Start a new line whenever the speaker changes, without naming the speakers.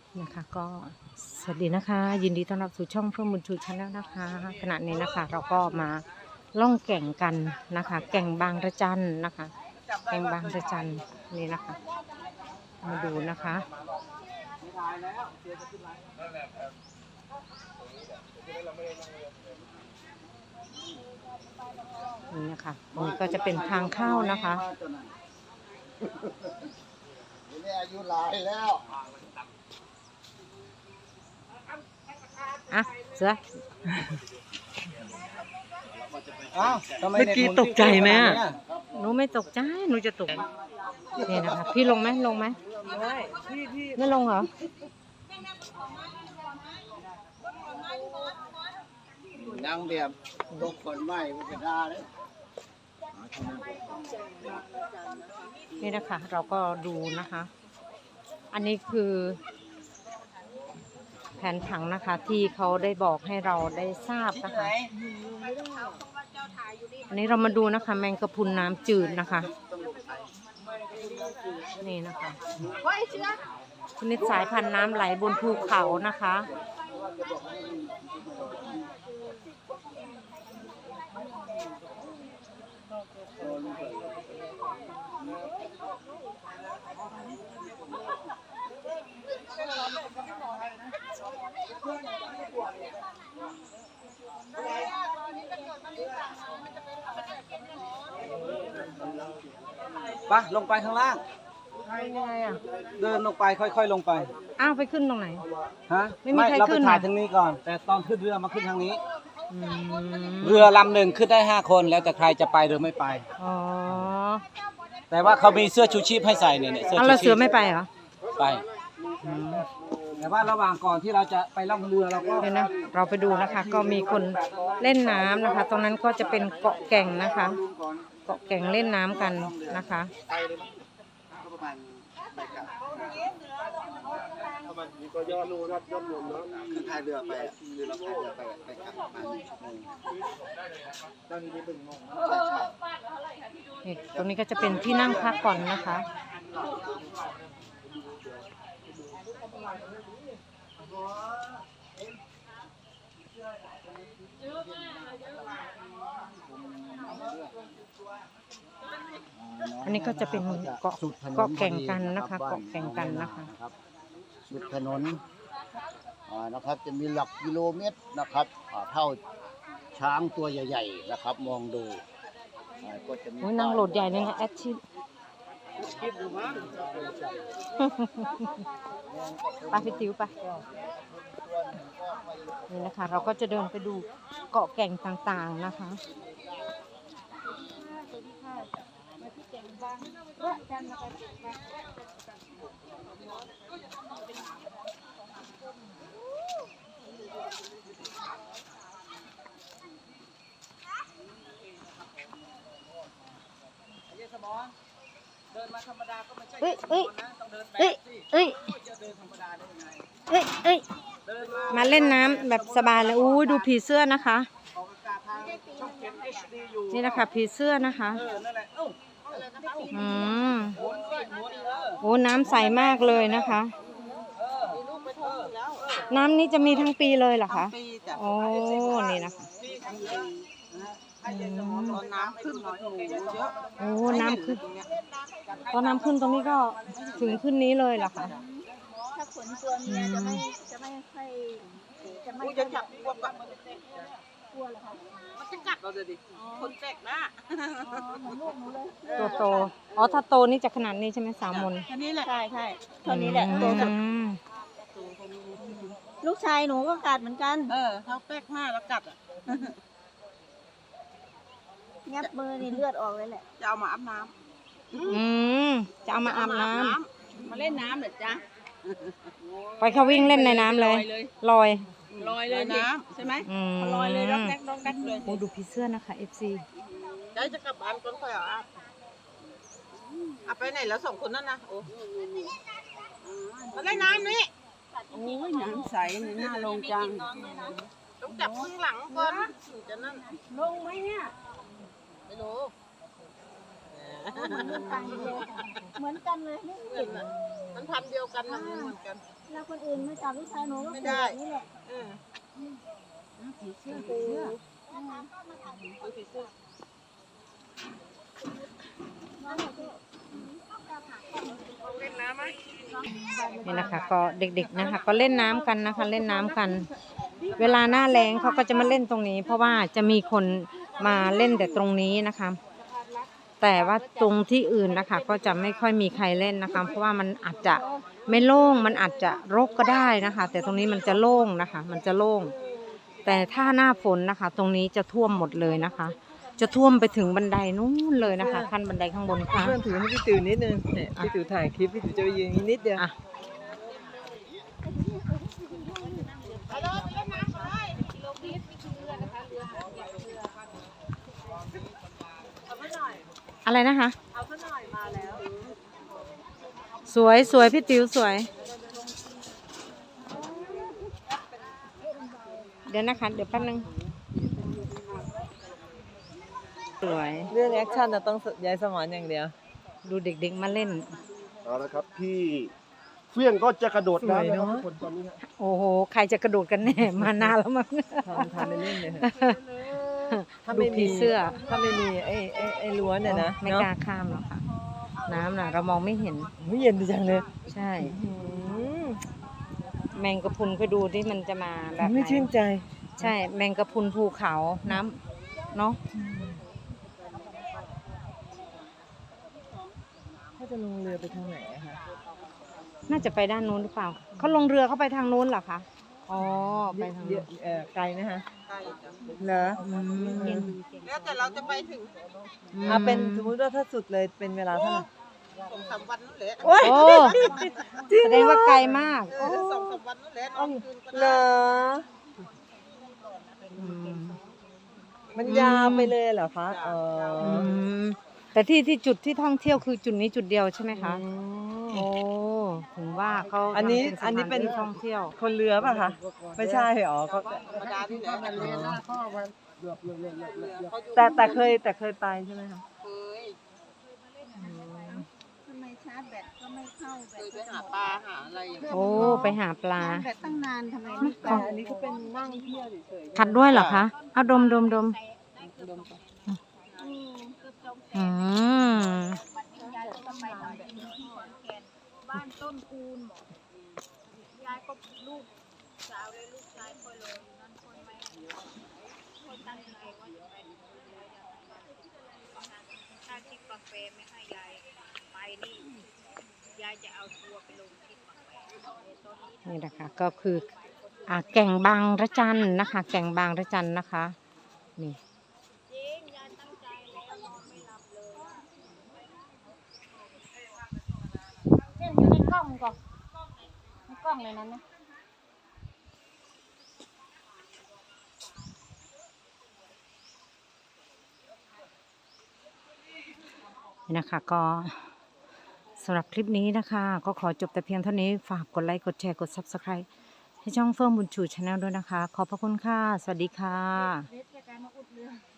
นะคะก็สวัสดีนะคะ ยินดีต้อนรับสู่ช่องเพื่อนบุญชูชาแนลนะคะขณะนี้นะคะเราก็มาล่องแก่งกันนะคะ แก่งบางระจันนะคะ แก่งบางระจันนี่นะคะมาดูนะคะนี่นะคะตรงนี้ก็จะเป็นทางเข้านะคะ
อายุหลายแล้ว
อ่ะเสือ
เมื่
เมื่อกี้ตกใจไหมอ่ะหนูไม่ตกใจหนูจะตกนี่นะคะพี่ลงไหมลงไหมไม่ลงเหรอ
ดังแบบตกคนไหม้ก็จะได้เลย
นี่นะคะเราก็ดูนะคะ อันนี้คือแผนผังนะคะที่เขาได้บอกให้เราได้ทราบนะคะอันนี้เรามาดูนะคะแมงกะพรุนน้ำจืดนะคะนี่นะคะชนิดสายพันธุ์น้ำไหลบนภูเขานะคะ
ปะลงไปข้างล่าง
ยังไงอ่ะ
เดินลงไปค่อยๆลงไป
อ้าวไปขึ้นตรงไหน
ฮะ
ไม่มีใคร
เรา
ขึ้
ไป
น
ถ่าย
เหรอ
ทางนี้ก่อน แต่ตอนขึ้นเรือมาขึ้นทางนี้
อืม
เรือลำหนึ่งขึ้นได้5 คนแล้วแต่ใครจะไปหรือไม่ไป
อ๋อ
แต่ว่าเขามีเสื้อชูชีพให้ใส่เนี่ยเสื้อ
เอา
ชู
แล้ว
ชี
เสือ
พ
ไม่ไปเหรอ
ไปแต่ว่าระหว่างก่อนที่เราจะไปล่องเรือเราก็
เดี๋ยวนะเราไปดูนะคะ ก็มีคนเล่นน้ำนะคะ ตรงนั้นก็จะเป็นเกาะแก่งนะคะ เกาะแก่งเล่นน้ำกันนะคะ
ประมาณไปกลับก็ยอดรูยอดรวมแล้วคือพายเรือไปคือเราพายเรือไปกลับประมาณ1 ชั่วโมงตอนนี้เป็นงง
นี่ตรงนี้ก็จะเป็นที่นั่งพักก่อนนะคะ อันนี้ก็จะเป็นเกาะแก่งกันนะคะ เกาะแก่งกันนะคะ
สุดถนนนะครับจะมีหลักกิโลเมตรนะครับเท่าช้างตัวใหญ่ๆนะครับมองดูก็จะมี
โอ้ยนั่งโหลดใหญ่เลยนะแอดชิด ไปพี่ติ๋วไปนี่นะคะ เราก็จะเดินไปดูเกาะแก่งต่างๆนะคะ
เดินมาธรรมดาก็ไม่ใช่
เอ้ยเอ้ย
ต้องเดินแบ
เอ้ย
บสิ
เอ้ย
จะเดินธรรมดาได้ยังไง
เอ้ยเอ้ย
เดินมา
มาเล่นน้ำแบบสบายเลยอู้ยดูผีเสื้อนะคะ
ออกอากาศทางช่องเก็บ HD อยู่
นี่นะคะผีเสื้อนะคะ
นั่นแหละ
อืม
หมุนสิหมุน
โอ้น้ำใสมากเลยนะคะ น้ำนี้จะมีทั้งปีเลยเหรอคะ
ปีจ้ะ
โอ้นี่นะคะ
ปีทั้งปีตอนน้ำขึ้นหน่อยโอ้โหเยอะ
โอ้น้ำขึ้นตอนน้ำขึ้นตรงนี้ก็ถึงขึ้นนี้เลยเหรอคะ
ถ้าขนตัวเมียจะไม่ค่อยจะไม่
กูจะจับพวกกับมัน
กลัวเหรอคะ
มันจะกัดเราเลยดิคนแตกหน้า
เหมือนลูกหนูเลย
ตัวโตอ๋อถ้าโตนี่จะขนาดนี้ใช่ไหม3 มน
อันนี้แหละ
ใช่ใช่เท่านี้แหละตัวสุด
อืม
ลูกชายหนูก็กัดเหมือนกัน
เขาแตกหน้าแล้วกัดอ่ะ
งับมือนี่เลือดออกเลยแหละ
จะเอามาอาบน้
อืมจะเอามาอาบน้
ำมาเล่นน้ำเหรอจ๊ะ
ำไปเขาวิ่งเล่นในน้ำเลยลอย
ลอยเลยน้ำใช่ไหม
อืม
ลอยเลยร้องแดกร้องแดกเลย
โอ้ดูผีเสื้อนะคะ FC
ใจจะกลับบ้านก่อนค่อยเอาอาบไปไหนแล้ว2 คนนั่นนะโอ้มาเล่นน้ำนี่
โอ้ยน้ำใสนี่น่าลงจัง
ต้องจับข้างหลังก่อนถึงจะนั่น
ลงไหมเนี่ย
ไม่รู้
เหมือนกันเลยเหมือนกันเลยไม่ผิด
มันพันธุ์เดียวกันนะเหมือนกัน
แล้วคนอื่นมาจับลูกชายหนูก็
ไม่
ป
ได้
ลูกแบบนี้แหละ
เออ
ผีเสื้อผีเสื้อ
เอาสีเสื้อ เล่นน้ำไหม
นี่นะคะก็เด็กๆนะคะ ก็เล่นน้ำกันนะคะ เล่นน้ำกัน เวลาหน้าแล้งเขาก็จะมาเล่นตรงนี้ เพราะว่าจะมีคนมาเล่นแต่ตรงนี้นะคะ แต่ว่าตรงที่อื่นนะคะ ก็จะไม่ค่อยมีใครเล่นนะคะ เพราะว่ามันอาจจะไม่โล่งมันอาจจะรกก็ได้นะคะ แต่ตรงนี้มันจะโล่งนะคะ มันจะโล่ง แต่ถ้าหน้าฝนนะคะ ตรงนี้จะท่วมหมดเลยนะคะ จะท่วมไปถึงบันไดนู้นเลยนะคะขั้นบันไดข้างบนค่ะ
เพื่อนถือให้พี่ติ๋วนิดนึงเนี่ยพี่ติ๋วถ่ายคลิปพี่ติ๋วจะไปยืนนิดเดียว
อ่ะ อะไรนะคะ
เอาซะหน่อยมาแล้ว
สวยสวยพี่ติ๋วสวย เดี๋ยวนะคะ เดี๋ยวแป๊บนึง สวย
เรื่องแอคชั่นจะต้องย้ายสมอนอย่างเดียว
ดูเด็กๆมาเล่น
เอาละครับพี่เฟื่องก็จะกระโดด
สวย
น้ำนะ
เน
ค
อะ
รับทุกคนตอนนี้ฮะ
โอ้โห ใครจะกระโดดกันแน่ มานานแล้วมั้ง
ทำไปเล่นเลยถ้า
ดู
ไม่
ผี
มี
เสื้อ
ถ้าไม่มีไอ้ล้วนเนี่ยนะ
ไม่
เนาะ
กล้าข้ามหรอกค่ะ น้ำน่ะ เรามองไม่เห็น
โอ้ยเย็นดีจังเลย
ใช่
อืม
แมงกะพรุนก็ดูที่มันจะมาแบบไห
ไม่ชื่น
น
ใจ
ใช่ แมงกะพรุนภูเขาน้ำเนาะ
ถ้าจะลงเรือไปทางไหนอะคะ
น่าจะไปด้านนู้นหรือเปล่า เขาลงเรือเข้าไปทางนู้นเหรอคะ อ๋อ ไปทาง
เย
นู้
อะ
น
ไกลไหมคะ
ใช่จ้ะ
เหรอ
อืม
แล้วแต่เราจะไปถึง
เอาเป็นสมมุติว่าถ้าสุดเลยเป็นเวลาเท่าไหร่
2-3 วันนั่นแหละ
โอ้ย
โอ้แสดงว่าไกลมาก
2-3 วันนั่นแหละนอนคืนก็
เหร
ได้
อ
อืม
มันยาวไปเลยเหรอคะอ๋อ
อืมแต่ที่จุดที่ท่องเที่ยวคือจุดนี้จุดเดียวใช่ไหมคะ
อืม
โอ้ ถึงว่าเขา
อันนี้
ทำสถา
อันนี้เป็น
ที่ท่องเที่ยว
คนเรือป่ะคะ ไม่ใช่หรอเขา
ธรรมดาที่ไหนกันเลยนะ
พ่อมาเลือก
เขาอยู่
แต่เคยไปใช่ไหมคะ
เคย
ทำไมชาร์จแบตก็ไม่เข้าแบ
เค
ต
ยไปหาปลาหาอะไรอย่างเงี้ย
โอ้ ไปหาปลา
ชาร์จแบตตั้งนานทำไมไม่
แต่อันนี้ก็เป็นนั่งเที่ยวเฉย
ขัดด้วยเหรอคะ เอาดมดมดม อืม
ยายก็ไปหน่อยที่ขอนแก่นบ้านต้นคูนหมอยายก็ลูกสาวเลยลูกชายคอยรออยู่นั่นคอยแม่คอยตั้งใจว่าจะไปถ้าที่กาแฟไม่ให้ยายไปนี่ยายจะเอาทัวร์ไปลงที่กาแฟตอนนี้
นี่นะคะ ก็คือ แก่งบางระจันนะคะ แก่งบางระจันนะคะ นี่
จริงยายตั้งใจแล้วนอนไม่หลับเลยเนี่ยอยู่ในกล้องก่อนในกล้องเลยนั้นนะ
นี่นะคะก็สำหรับคลิปนี้นะคะ ก็ขอจบแต่เพียงเท่านี้ฝากกดไลค์กดแชร์กด Subscribe ให้ช่องเฟื่องบุญชูชาแนลด้วยนะคะ ขอบพระคุณค่ะ สวัสดีค่ะ
เวทจากการมาอุดเรือ